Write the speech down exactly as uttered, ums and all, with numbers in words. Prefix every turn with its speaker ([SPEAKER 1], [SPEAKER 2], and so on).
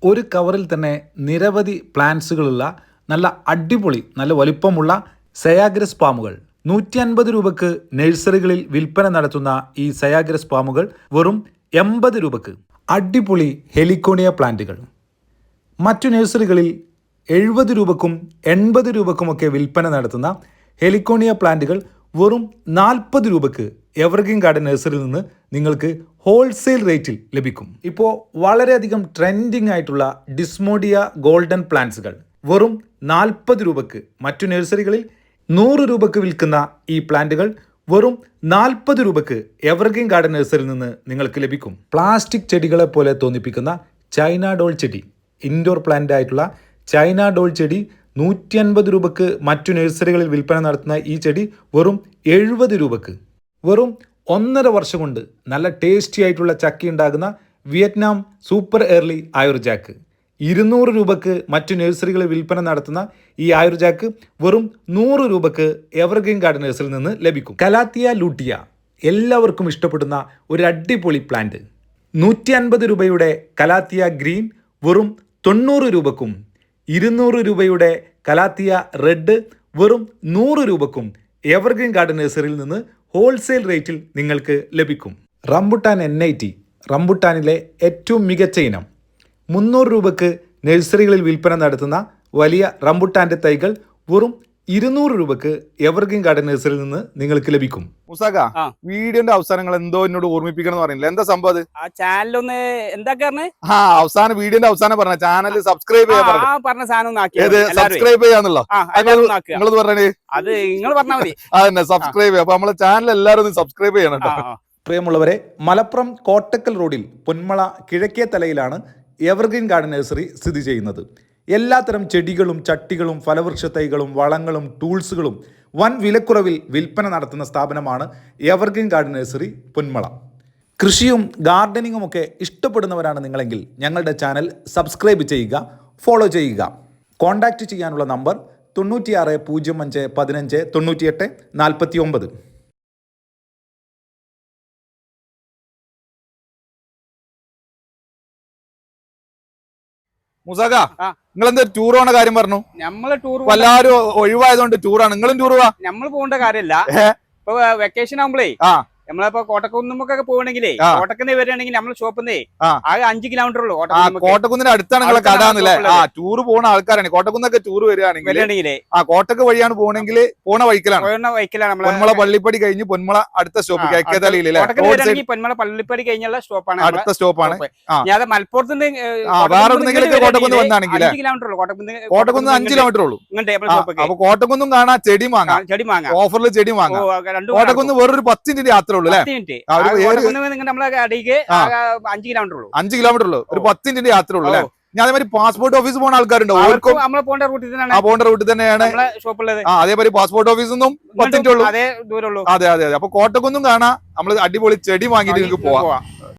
[SPEAKER 1] ഒരു കവറിൽ തന്നെ നിരവധി പ്ലാന്റ്സുകളുള്ള നല്ല അടിപൊളി നല്ല വലിപ്പമുള്ള സയാഗ്രസ് പാമുകൾ നൂറ്റി അൻപത് രൂപക്ക് നഴ്സറികളിൽ വിൽപ്പന നടത്തുന്ന ഈ സയാഗ്രസ് പാമുകൾ വെറും എൺപത് രൂപക്ക്. അടിപൊളി ഹെലിക്കോണിയ പ്ലാന്റുകൾ മറ്റു നഴ്സറികളിൽ എഴുപത് രൂപക്കും എൺപത് രൂപക്കുമൊക്കെ വിൽപ്പന നടത്തുന്ന ഹെലിക്കോണിയ പ്ലാന്റുകൾ വെറും നാൽപ്പത് രൂപക്ക് എവർഗ്രീൻ ഗാർഡൻ നഴ്സറിയിൽ നിന്ന് നിങ്ങൾക്ക് ഹോൾസെയിൽ റേറ്റിൽ ലഭിക്കും. ഇപ്പോൾ വളരെയധികം ട്രെൻഡിങ് ആയിട്ടുള്ള ഡിസ്മോഡിയ ഗോൾഡൻ പ്ലാന്റ്സുകൾ വെറും നാൽപ്പത് രൂപക്ക് മറ്റു നഴ്സറികളിൽ നൂറ് രൂപക്ക് വിൽക്കുന്ന ഈ പ്ലാന്റുകൾ വെറും നാൽപ്പത് രൂപക്ക് എവർഗ്രീൻ ഗാർഡൻ നഴ്സറിയിൽ നിന്ന് നിങ്ങൾക്ക് ലഭിക്കും. പ്ലാസ്റ്റിക് ചെടികളെ പോലെ തോന്നിപ്പിക്കുന്ന ചൈന ഡോൾ ചെടി, ഇൻഡോർ പ്ലാന്റ് ആയിട്ടുള്ള ചൈന ഡോൾ ചെടി നൂറ്റി അൻപത് രൂപക്ക് മറ്റു നഴ്സറികളിൽ വിൽപ്പന നടത്തുന്ന ഈ ചെടി വെറും എഴുപത് രൂപക്ക്. വെറും ഒന്നര വർഷം കൊണ്ട് നല്ല ടേസ്റ്റി ആയിട്ടുള്ള ചക്കി ഉണ്ടാകുന്ന വിയറ്റ്നാം സൂപ്പർ എർലി ആയുർജാക്ക് ഇരുന്നൂറ് രൂപക്ക് മറ്റു നഴ്സറികളിൽ വിൽപ്പന നടത്തുന്ന ഈ ആയുർജാക്ക് വെറും നൂറ് രൂപക്ക് എവർഗ്രീൻ ഗാർഡൻ നഴ്സറിയിൽ നിന്ന് ലഭിക്കും. കലാത്തിയ ലൂട്ടിയ എല്ലാവർക്കും ഇഷ്ടപ്പെടുന്ന ഒരു അടിപൊളി പ്ലാന്റ്. നൂറ്റി അൻപത് രൂപയുടെ കലാത്തിയ ഗ്രീൻ വെറും തൊണ്ണൂറ് രൂപക്കും ഇരുന്നൂറ് രൂപയുടെ കലാത്തിയ റെഡ് വെറും നൂറ് രൂപക്കും എവർഗ്രീൻ ഗാർഡൻ നഴ്സറിയിൽ നിന്ന് ഹോൾസെയിൽ റേറ്റിൽ നിങ്ങൾക്ക് ലഭിക്കും. റംബുട്ടാൻ എൻ ഐ ടി റംബുട്ടാനിലെ ഏറ്റവും മികച്ച ഇനം മുന്നൂറ് രൂപക്ക് നഴ്സറികളിൽ വിൽപ്പന നടത്തുന്ന വലിയ റംബുട്ടാൻ്റെ തൈകൾ വെറും ഇരുന്നൂറ് രൂപക്ക് എവർഗ്രീൻ ഗാർഡൻ നഴ്സറിയിൽ നിന്ന് നിങ്ങൾക്ക് ലഭിക്കും.
[SPEAKER 2] മുസാക, വീഡിയോന്റെ അവസാനങ്ങൾ എന്തോ എന്നോട് ഓർമ്മിപ്പിക്കണം എന്ന് പറയുന്നില്ല, എന്താ സംഭവം?
[SPEAKER 3] ആ ചാനലൊന്ന് എന്താ
[SPEAKER 2] ആ അവസാനം വീഡിയോന്റെ അവസാനം പറഞ്ഞ ചാനൽ സബ്സ്ക്രൈബ് ചെയ്യാൻ
[SPEAKER 3] പറഞ്ഞ സാധനം
[SPEAKER 2] സബ്സ്ക്രൈബ് ചെയ്യാന്നുള്ളോ നിങ്ങളത് പറഞ്ഞേ?
[SPEAKER 3] അത് നിങ്ങൾ പറഞ്ഞാൽ മതി.
[SPEAKER 2] അതന്നെ സബ്സ്ക്രൈബ് ചെയ്യാം. അപ്പൊ നമ്മളെ ചാനൽ എല്ലാവരും ഒന്ന് സബ്സ്ക്രൈബ് ചെയ്യണം കേട്ടോ.
[SPEAKER 1] പ്രിയമുള്ളവരെ, മലപ്പുറം കോട്ടക്കൽ റോഡിൽ പൊന്മള കിഴക്കേ തലയിലാണ് എവർഗ്രീൻ ഗാർഡൻ നഴ്സറി സ്ഥിതി ചെയ്യുന്നത്. എല്ലാത്തരം ചെടികളും ചട്ടികളും ഫലവൃക്ഷ തൈകളും വളങ്ങളും ടൂൾസുകളും വൻ വിലക്കുറവിൽ വിൽപ്പന നടത്തുന്ന സ്ഥാപനമാണ് എവർഗ്രീൻ ഗാർഡൻ നഴ്സറി പൊന്മള. കൃഷിയും ഗാർഡനിങ്ങും ഒക്കെ ഇഷ്ടപ്പെടുന്നവരാണ് നിങ്ങളെങ്കിൽ ഞങ്ങളുടെ ചാനൽ സബ്സ്ക്രൈബ് ചെയ്യുക, ഫോളോ ചെയ്യുക. കോൺടാക്റ്റ് ചെയ്യാനുള്ള നമ്പർ തൊണ്ണൂറ്റിയാറ് പൂജ്യം അഞ്ച് പതിനഞ്ച് തൊണ്ണൂറ്റിയെട്ട് നാൽപ്പത്തി ഒമ്പത്.
[SPEAKER 2] മുസാക, നിങ്ങൾ എന്താ ടൂർ പോണ കാര്യം പറഞ്ഞു?
[SPEAKER 3] നമ്മള് ടൂർ
[SPEAKER 2] എല്ലാരും ഒഴിവായതുകൊണ്ട് ടൂറാണ്. നിങ്ങളും ടൂർ പോവാ?
[SPEAKER 3] നമ്മൾ പോകേണ്ട കാര്യമില്ല. ഇപ്പൊ വെക്കേഷൻ ആകുമ്പോഴേ നമ്മളിപ്പോ കോട്ടക്കുന്നുമൊക്കെ പോകണമെങ്കിലേ കോട്ടക്കുന്ന് വരികയാണെങ്കിൽ നമ്മളെ ഷോപ്പിന്നേ ആകെ അഞ്ച് കിലോമീറ്റർ ഉള്ളൂ.
[SPEAKER 2] കോട്ടക്കുന്നിന് അടുത്താണ് നിങ്ങളെ കടാന്നല്ലേ? ആ ടൂർ പോകുന്ന ആൾക്കാരാണ്. കോട്ടക്കുന്നൊക്കെ ടൂർ വരികയാണെങ്കിൽ ആ കോട്ടക്ക് വഴിയാണ് പോകണമെങ്കിൽ പോണ വഴിക്കലാണ് പൊന്മള പള്ളിപ്പടി കഴിഞ്ഞ് പൊന്മള അടുത്ത സ്റ്റോപ്പ്
[SPEAKER 3] പൊന്മള പള്ളിപ്പടി കഴിഞ്ഞുള്ള സ്റ്റോപ്പാണ്,
[SPEAKER 2] അടുത്ത സ്റ്റോപ്പാണ്.
[SPEAKER 3] ഞാൻ മലപ്പുറത്തിന്റെ
[SPEAKER 2] വേറെ കോട്ടക്കുന്ന് വന്നാണെങ്കിൽ
[SPEAKER 3] കിലോമീറ്റർ ഉള്ളൂ.
[SPEAKER 2] കോട്ടക്കുന്ന് അഞ്ച് കിലോമീറ്റർ ഉള്ളൂ. അപ്പൊ കോട്ടക്കുന്നും കാണാൻ ചെടി വാങ്ങാം, ചെടി വാങ്ങാം, ഓഫറിൽ ചെടി വാങ്ങാം. കോട്ടക്കുന്ന് വേറൊരു പത്ത് മിനിറ്റ് യാത്ര
[SPEAKER 3] അഞ്ച് കിലോമീറ്റർ ഉള്ളൂ.
[SPEAKER 2] അഞ്ച് കിലോമീറ്റർ ഉള്ളൂ, ഒരു പത്ത് മിനിറ്റ് യാത്ര ഉള്ളൂ. ഞാൻ അതേമാതിരി പാസ്പോർട്ട് ഓഫീസ് പോകുന്ന ആൾക്കാരുണ്ടോ? അവർക്കും
[SPEAKER 3] പോകേണ്ട റൂട്ടിൽ
[SPEAKER 2] തന്നെയാണ് പോകേണ്ട റൂട്ടിൽ തന്നെയാണ്
[SPEAKER 3] ഷോപ്പുള്ളത്.
[SPEAKER 2] അതേമാതിരി പാസ്പോർട്ട് ഓഫീസൊന്നും പത്ത് മിനിറ്റ് ഉള്ളൂ. അതെ അതെ അതെ. അപ്പൊ കോട്ടക്കൊന്നും കാണാം, നമ്മള് അടിപൊളി ചെടി വാങ്ങിയിട്ട് നിങ്ങൾക്ക് പോവാം.